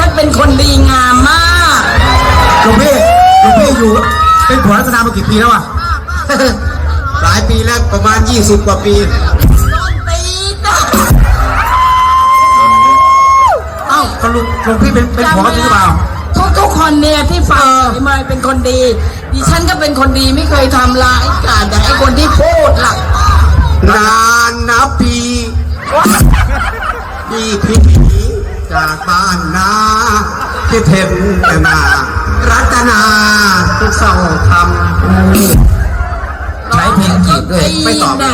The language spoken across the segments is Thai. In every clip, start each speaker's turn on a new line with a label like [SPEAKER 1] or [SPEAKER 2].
[SPEAKER 1] เป็นคนดีงามมาก
[SPEAKER 2] หลวงพี่อยู่เป็นผัวรัตนามากี่ปีแล้วอ่ะ
[SPEAKER 3] หลายปีแล้วประมาณ20 กว่าปี
[SPEAKER 1] ตีจ้ะ
[SPEAKER 2] เอ้าก็หลวงพี่เป็นผัวจริงหรือเปล่า
[SPEAKER 1] ทุกคนเนี่ยที่ฟังมาเป็นคนดีดิฉันก็เป็นคนดีไม่เคยทำร้ายกันแต่ไอ้คนที่พูดล่ะ
[SPEAKER 3] นานนับปีพี่จากบ้านนาที่เทมแต่นารัตนาทุกเศร้าทำ
[SPEAKER 2] ใช้เพลงจีบด้วยไม่ตอบ
[SPEAKER 1] นะ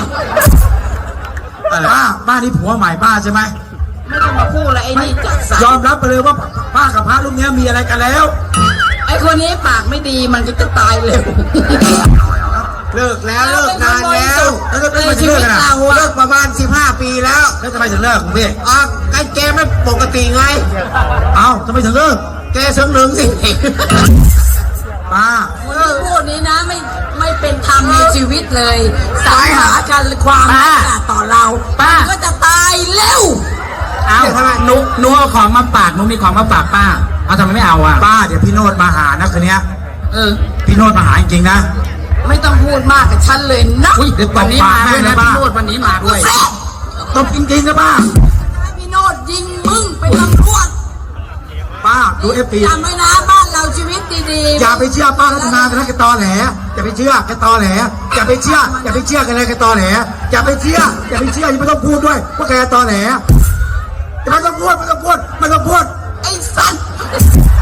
[SPEAKER 2] ป้านี่ผัวใหม่ป้าใช่ไหม
[SPEAKER 1] ไม่ต้องมาพูดอะไรไอ้นี่จัดสรร
[SPEAKER 2] ยอมรับไปเลยว่าป้ากับพระรูปนี้มีอะไรกันแล้ว
[SPEAKER 1] ไอ้คนนี้ปากไม่ดีมันก็จะตายเร็ว
[SPEAKER 3] เลิกแล้วเลิกนานแล้ว
[SPEAKER 2] แล้วก็
[SPEAKER 1] ใน
[SPEAKER 2] ไม่
[SPEAKER 1] ชี
[SPEAKER 2] เลิ
[SPEAKER 1] วิ
[SPEAKER 2] ก
[SPEAKER 1] ต
[SPEAKER 2] กันนะ
[SPEAKER 1] เรา
[SPEAKER 3] เลิ
[SPEAKER 1] อะ
[SPEAKER 3] กประมาณ15 ปีแล้ว
[SPEAKER 2] แล้วทำไมถึงเลิกคุณพี่
[SPEAKER 3] กันแกไม่ปกติไง
[SPEAKER 2] เอ้าทำไมถึงเลิก
[SPEAKER 3] แกเสงหนึ่งสิ
[SPEAKER 2] ป้า
[SPEAKER 1] คนที่พูดนี้นะไม่เป็นธรรมในชีวิตเลยสายหากันความรักต่อเราป้าก็จะตายเร็ว
[SPEAKER 2] เอาหนูเอาของมาฝากหนูมีของมาฝากป้าเอาทำไมไม่เอาอ่ะป้าเดี๋ยวพี่โนดมาหานะคืนนี้ พี่โนดมาหาจริงๆนะ
[SPEAKER 1] ไม่ต้องพูดมากกับฉันเลยนะ
[SPEAKER 2] เดี๋ยววันนี้มาด้วยนะพี่โนดวันนี้มาด้วยตบจริงๆนะป้า
[SPEAKER 1] ให้พี่โนดยิงมึงเป็นตำรวจ
[SPEAKER 2] ป้าดูเอฟซี
[SPEAKER 1] จำไว้นะบ้านเราชีวิตดีๆ
[SPEAKER 2] อย่าไปเชื่อป้ารัตนากันนะแกตอแหลอย่าไปเชื่อแกตอแหลอย่าไปเชื่อกันเลยแกตอแหลอย่าไปเชื่ออย่าไม่ต้องพูดด้วยว่าแกตอแหลไม่ต้องพูด
[SPEAKER 1] ไอ้สัตว์